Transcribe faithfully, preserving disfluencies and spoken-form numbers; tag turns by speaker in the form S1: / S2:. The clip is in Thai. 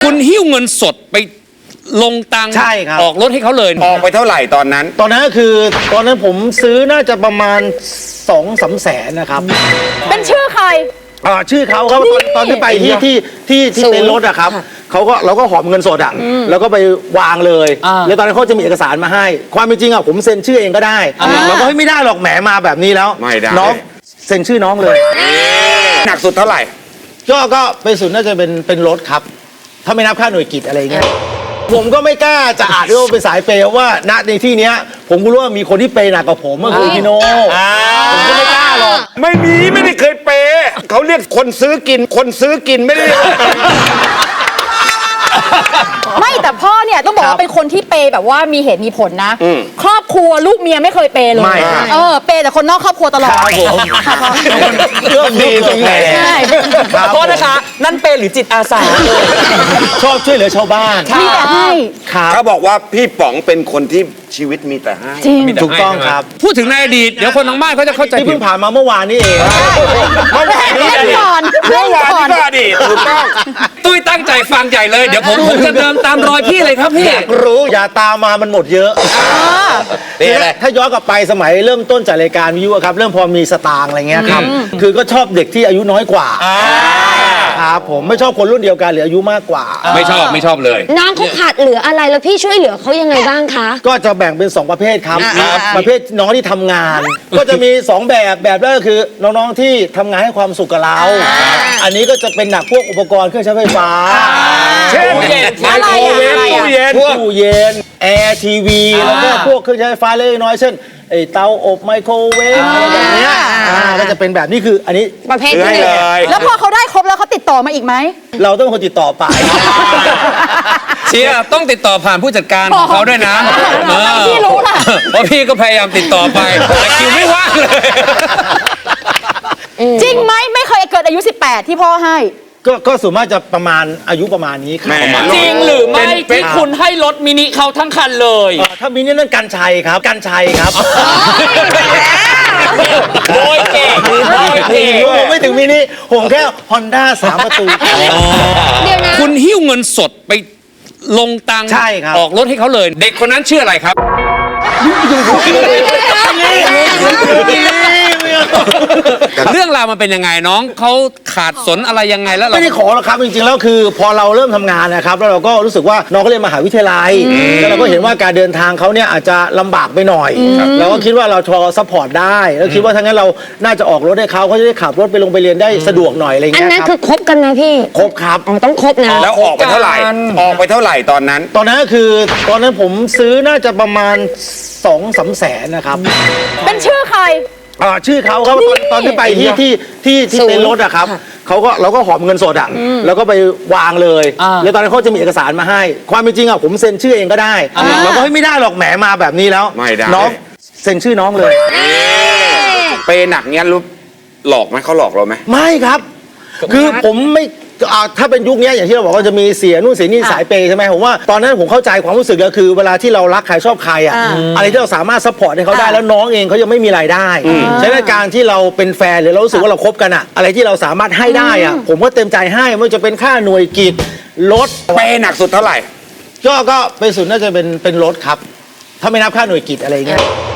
S1: คุณหิ้วเงินสดไปลงตังค์
S2: ใช่ครับ
S1: ออกรถให้เขาเลย
S3: ออกไปเท่าไหร่ตอนนั้น
S2: ตอนนั้นก็คือตอนนั้นผมซื้อน่าจะประมาณสองสามแสนนะครับ
S4: เป็นชื่อใคร
S2: อ่าชื่อเขาครับตอนตอนที่ไปที่ที่ที่ที่เต็นท์รถอะครับเขาก็เราก็หอบเงินสดอะแล้วก็ไปวางเลยแล้วตอนนั้นเขาจะมีเอกสารมาให้ ความเป็นจริงอะผมเซ็นชื่อเองก็ได้เราก็ไม่ได้หรอกแหมมาแบบนี้แล้ว
S3: ไม่ได้
S2: น้องเซ็นชื่อน้องเลย
S3: หนักสุดเท่าไหร่
S2: ก็ก็ไปสุดน่าจะเป็นเป็นรถครับ ถ้าไม่นับค่าหน่วยกิจอะไรเงี้ยผมก็ไม่กล้าจะอาจด้วยว่าเป็นสายเปย์เพราะว่าณในที่เนี้ยผมก็รู้ว่ามีคนที่เปย์หนักกว่าผมก็คือพี่โน่ผมก็ไม่กล้าหรอก
S3: ไม่มีไม่ได้เคยเปย์เขาเรียกคนซื้อกิน คนซื้อกินไม่ได้เรียกว่าเปย์
S4: ไม่แต่พ่อเนี่ยต้องบอกว่าเป็นคนที่เปย์แบบว่ามีเหตุมีผลนะ ครอบครัวลูกเมียไม่เคยเปย์เลย
S2: ไม่ครับ
S4: เออเปย์แต่คนนอกครอบครัวตลอด
S2: ครับผมเรื่องดีตรงไหน
S4: ใช่
S2: ครับ
S5: โทษนะคะ นั่นเป็นหรือจิตอาสา
S2: ชอบช่วยเหลือชาวบ้าน
S4: มีแต่ให้
S2: ครับ
S3: เขาบอกว่าพี่ป๋องเป็นคนที่ชีวิตมีแต่ให้
S4: จริง
S1: มีแต่
S2: ถูกต้อง
S1: ให้ใช่ไหม
S2: ครับ
S1: พูดถึงในอดีตเดี๋ยวคนทางบ้านเขาจะเข้าใจ
S2: ที่
S1: ผิ
S2: เพิ่
S1: ด
S2: งผ่านมาเมื่อวานนี้เอง
S3: เมื่อวานนี้
S4: เล่นก่อน
S3: เมื่อวาน
S4: ก่อน
S3: นี้ก็อดีตถูกต้อง
S1: ตุ้ยตั้งใจฟังใหญ่เลยเดี๋ยวผมผมจะเดินตามรอยพี่เลยครับพี่
S2: อยากรู้อย่าตามมามันหมดเยอะคือถ้าย้อนกลับไปสมัยเริ่มต้นจัดรายการวิทยุอะครับเริ่มพอมีสตางค์อะไรเงี้ยครับคือก็ชอบเด็กที่อายุน้อยกว่าครับผมไม่ชอบคนรุ่นเดียวกันหรืออายุมากกว่า
S1: ไม่ชอบไม่ชอบเลย
S6: น้องเขาขาดเหลืออะไรแล้วพี่ช่วยเหลือเขายังไงบ้างคะ
S2: ก็จะแบ่งเป็นสองประเภทครับประเภทน้องที่ทำงาน ก็จะมีสองแบบแบบแรกก็คือน้องๆที่ทำงานให้ความสุขกับเรา อันนี้ก็จะเป็นหนักพวกอุปกรณ์เครื่องใช้ไฟฟ้า
S3: เช่น
S4: ไมโครเวฟ
S3: ตู้เย็น
S2: พวกตู้เย็นแอร์ทีวีแล้วก็พวกเครื่องใช้ไฟฟ้าเล็กน้อยเช่นไอ้เตาอบไมโครเวฟอะไรแบบเนี้ยอ่าก็จะเป็นแบบนี้คืออันนี้
S6: ประเภท
S3: ซื้อ
S6: ที่
S3: ให้
S6: หนึ่
S3: เล
S6: ง
S3: ย
S4: แล้วพอเขาได้ครบแล้วเขาติดต่อมาอีกไหม
S2: เราต้องเป็นคนติดต่อไป
S1: เชียร์ต้องติดต่อผ่านผู้จัดการของเขาด้วยนะ
S4: อ๋อพี่รู้ล่ะ
S1: เพราะพี่ก็พยายามติดต่อไปแต่คิวไม่ว่างเลย
S4: จริงไหมไม่เคยเกิดอายุ สิบแปด ที่พ่อให้
S2: ก็ก็ส่วนมากจะประมาณอายุประมาณนี้ครับ
S3: แม่
S5: จริงหรือไม่
S2: เป็น
S5: ที่คุณให้รถมินิเขาทั้งคันเลย
S2: เอ่อถ้ามีนี่นั่นกันชัยครับกันชัยครับ
S5: โดยเก่งโดยเก่ง
S2: ผมไม่ถึงมินิผมแค่ฮอนด้าสามประตู
S6: เดี๋ยวนะ
S1: คุณหิ้วเงินสดไปลงตังค์
S2: ใช่ครับ
S1: ออกรถให้เขาเลย เด็กคนนั้นชื่ออะไรครับ เรื่องราวมันเป็นยังไงน้องเขาขาดสนอะไรยังไงแล้วเรา
S2: ไม่ได้ขอหรอกครับจริงๆแล้วคือ พอเราเริ่มทำงานนะครับแล้วเราก็รู้สึกว่าน้องเขาเรียนมหาวิทยาลัยแล้วเราก็เห็นว่าการเดินทางเขาเนี่ยอาจจะลำบากไปหน่อยเราก็คิดว่าเราพอซัพพอร์ตได้แล้วคิดว่าถ้างั้นเราน่าจะออกรถให้เขาเขาจะได้ขับรถไปลงไปเรียนได้สะดวกหน่อยอะไร
S6: อัน
S2: เงี้ย
S6: นั้น
S2: ค
S6: คื
S2: รับ
S6: อคบกันนะพี่
S2: ครบครับ
S6: อ๋อต้องคบนะ
S3: แล้วออกไปเท่าไหร่ ออกไปเท่าไหร่ตอนนั้น
S2: ตอนนั้นก็คือตอนนั้นผมซื้อน่าจะประมาณสองสามแสนนะครับ
S4: เป็นชื่อใคร
S2: อ่าชื่อเขาครับตอนตอนที่ไปที่ที่ที่ที่
S6: ศูนย์
S2: เต็นท์รถอะครับเขาก็เราก็หอบเงินสดอะแล้วก็ไปวางเลยแล้วตอนนั้นเขาจะมีเอกสารมาให้ ความเป็นจริงอะผมเซ็นชื่อเองก็ได้เราก็ไม่ได้หรอกแหมมาแบบนี้แล้ว
S3: ไม่ได้
S2: น้องเซ็นชื่อน้องเลย
S3: เปย์หนักเนี้ยรู้หลอกไหมเขาหลอกเราไหม
S2: ไม่ครับ คือผมไม่อ่าถ้าเป็นยุคนี้อย่างที่เราบอกว่าจะมีเสียนู่นเสียนี่สายเปย์ใช่ไหมผมว่าตอนนั้นผมเข้าใจความรู้สึกก็คือเวลาที่เรารักใครชอบใครอ่ะ
S4: อ่า
S2: อะไรที่เราสามารถซัพพอร์ตให้เขาได้
S4: อ่า
S2: แล้วน้องเองเขายังไม่มีรายได้ใช้ในการที่เราเป็นแฟนหรือเรารู้สึกว่าเราคบกันอ่ะอะไรที่เราสามารถให้ได้อ่ะผมก็เต็มใจให้ไม่ว่าจะเป็นค่าหน่วยกิจรถ
S3: เปย์หนักสุดเท่าไหร่
S2: ก็ก็ไปสุดน่าจะเป็นเป็นรถครับ ถ้าไม่นับค่าหน่วยกิจอะไรเงี้ย